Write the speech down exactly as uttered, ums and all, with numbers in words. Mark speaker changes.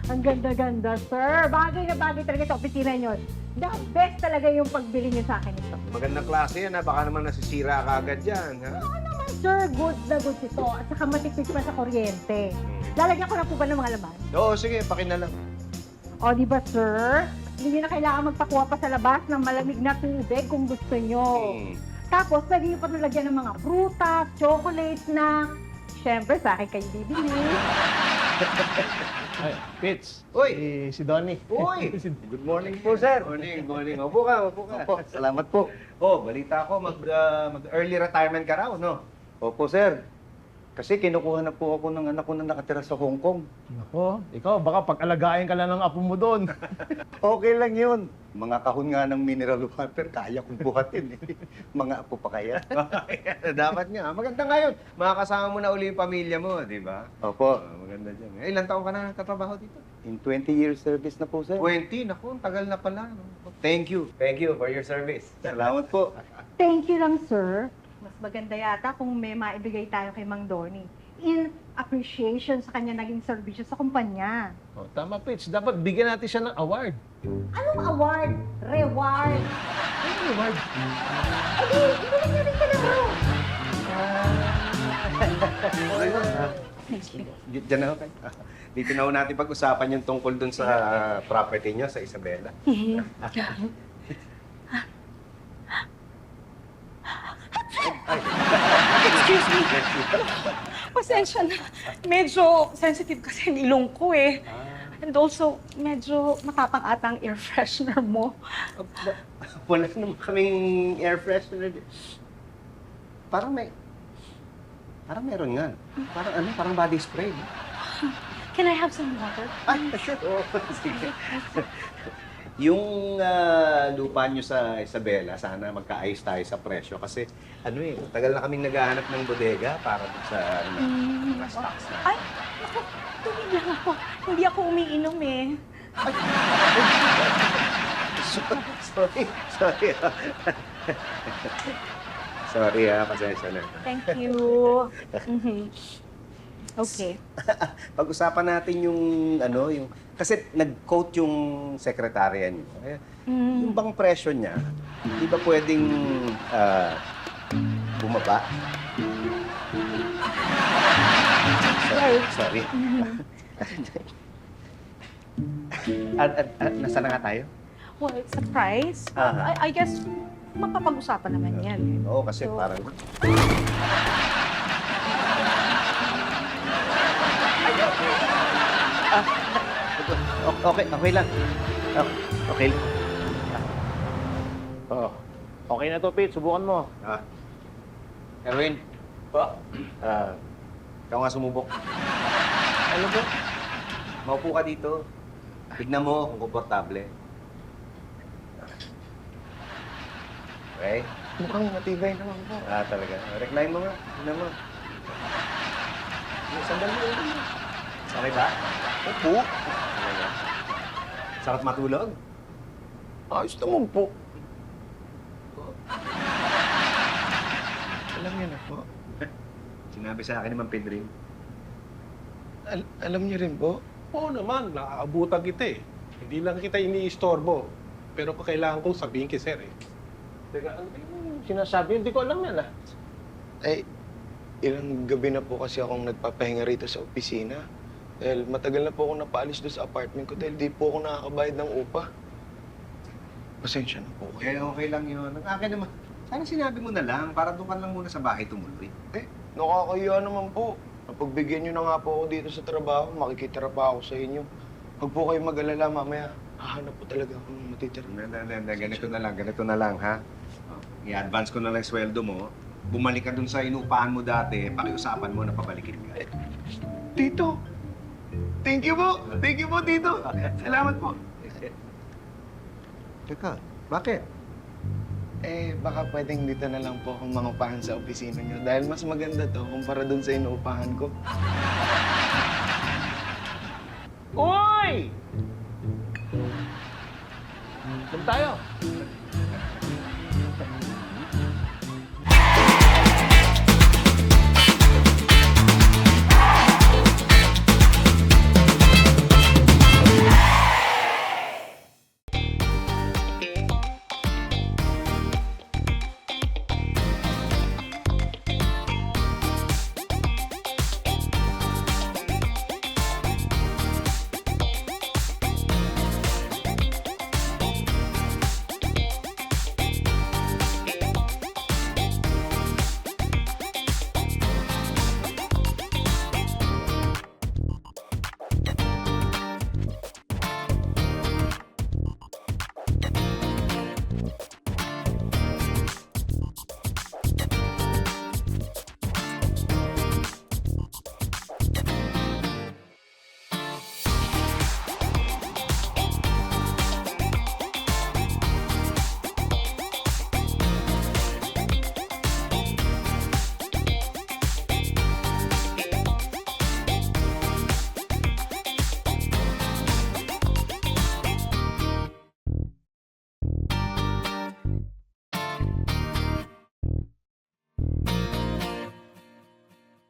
Speaker 1: Ang ganda-ganda, sir. Bagay na bagay talaga sa opisina nyo. The best talaga yung pagbili nyo sa akin ito.
Speaker 2: Magandang klase yan, ha? Baka naman nasisira ka agad yan, ha?
Speaker 1: Oo naman, sir. Good na good ito. At saka matipid pa sa kuryente. Lalagyan ko na po ba ng mga laman?
Speaker 2: Oo, sige, pakinalang.
Speaker 1: O, di ba, sir? Hindi na kailangan magpakuha pa sa labas ng malamig na tubig kung gusto nyo.
Speaker 2: Hmm.
Speaker 1: Tapos, pwede nyo pa nalagyan ng mga prutas, chocolates na... Siyempre, sa akin kayo bibili.
Speaker 3: Ay, Pitch.
Speaker 2: Uy!
Speaker 3: Si, si Donnie.
Speaker 2: Uy!
Speaker 3: Si-
Speaker 2: Good morning po, sir. Morning, morning. Opo ka, opo ka.
Speaker 4: Opo, salamat po.
Speaker 2: Oh, balita ko, mag, ah, mag-early retirement ka raw, no?
Speaker 4: Opo, sir. Kasi kinukuha na po ako ng anak ko na nakatira sa Hong Kong.
Speaker 3: Ako, ikaw, baka pag-alagain ka lang ng apo mo doon.
Speaker 4: Okay lang yun. Mga kahon nga ng mineral water, kaya kong buhatin. Eh. Mga apo pa kaya.
Speaker 2: Dapat nga. Maganda ngayon. Makakasama mo na uli yung pamilya mo, di ba?
Speaker 4: Opo,
Speaker 2: Oh, maganda dyan. Eh, ilang taon ka na nagtatrabaho dito?
Speaker 4: in twenty years service na po, sir.
Speaker 2: twenty? Naku, ang tagal na pala. No? Thank you. Thank you for your service.
Speaker 4: Salamat po.
Speaker 1: Thank you lang, sir. Mas maganda yata kung may maibigay tayo kay Mang Donnie in appreciation sa kanya naging serbisyo sa kumpanya.
Speaker 3: Oh, tama, Pitch. Dapat bigyan natin siya ng award.
Speaker 1: Anong award? Reward?
Speaker 3: Ano award?
Speaker 1: Eh di, ibigay niyo rin ka na bro.
Speaker 2: D- Diyan na ako kayo. Dito na ho natin pag-usapan yung tungkol dun sa property nyo sa Isabela.
Speaker 5: Excuse me. Pasensya na. Medyo sensitive kasi ang ilong ko eh. And also, medyo matapang ata ang air freshener mo.
Speaker 2: Wala naman kaming air freshener. Parang may... Parang meron nga. Parang ano, parang body spray. no?
Speaker 5: Can I have some water?
Speaker 2: Ay, sure. Oh, sige. Yung ah, lupa nyo sa Isabela, sana magkaayos tayo sa presyo. Kasi ano eh, tagal na kaming naghahanap ng bodega para dun sa ano, mga stocks na.
Speaker 5: Ay, naku, tubig lang ako. Hindi ako umiinom eh.
Speaker 2: Sorry, sorry. ah. Sorry ha, pasensya na.
Speaker 5: Thank you. Mhm. Okay.
Speaker 2: Pag-usapan natin yung ano, yung kasi nag-quote yung sekretarya niyo. Eh,
Speaker 5: Mm.
Speaker 2: Yung bang presyo niya, di ba pwedeng ah, bumaba? Sorry. Sorry. at, at, at, nasa na nga tayo?
Speaker 5: Well, surprise.
Speaker 2: Aha.
Speaker 5: I, I guess, mapapag-usapan naman yan.
Speaker 2: Oo, kasi
Speaker 5: So-
Speaker 2: parang... Ah, o- okay, okay lang. Ah, okay lang.
Speaker 3: Oh, okay na to, Pitch. Subukan mo.
Speaker 2: Ah. Erwin. Po? Ah, ikaw nga sumubok. Ano po? Maupo ka dito. Tignan mo kung komportable. Okay?
Speaker 4: Mukhang matibay naman po.
Speaker 2: Ah, talaga. Recline mo nga. Tignan mo. Sandal mo. Okay ba?
Speaker 4: Opo.
Speaker 2: Talaga. Sarap matulog?
Speaker 4: Ayos naman po. Alam niyo na po.
Speaker 2: Sinabi sa akin naman, Pedrin.
Speaker 4: Al- alam niyo rin po.
Speaker 6: Oo naman, nakaabutan kita eh. Hindi lang kita iniistorbo. Pero kailangan kong sabihin kay sir eh.
Speaker 3: Teka, ano ba yung sinasabi? Hindi ko alam yan, ah.
Speaker 7: Ay, ilang gabi na po kasi akong nagpapahinga rito sa opisina. Dahil matagal na po ako napaalis doon sa apartment ko dahil di po ako nakakabayad ng upa. Pasensya na po
Speaker 2: Okay,
Speaker 7: kayo.
Speaker 2: okay lang yun. Ang akin naman, sana sinabi mo na lang para doon ka lang muna sa bahay tumuloy.
Speaker 7: Eh, nakakahiya naman po. Napagbigyan nyo na nga po ako dito sa trabaho, makikitira pa ako sa inyo. Huwag po kayo mag-alala, mamaya hahanap po talaga ako ng matitira.
Speaker 2: Hindi, hindi, hindi. Ganito na lang, ganito na lang, ha? Oh, I-advance ko na lang yung sweldo mo. Bumalik ka dun sa inupahan mo dati, pakiusapan mo na pabalikin ka.
Speaker 7: Tito! Thank you po! Thank you po, Tito! Salamat po!
Speaker 2: Teka, bakit?
Speaker 7: Eh, baka pwedeng dito na lang po akong mangupahan sa opisina nyo dahil mas maganda to kumpara dun sa inuupahan ko.
Speaker 3: Uy! Doon tayo.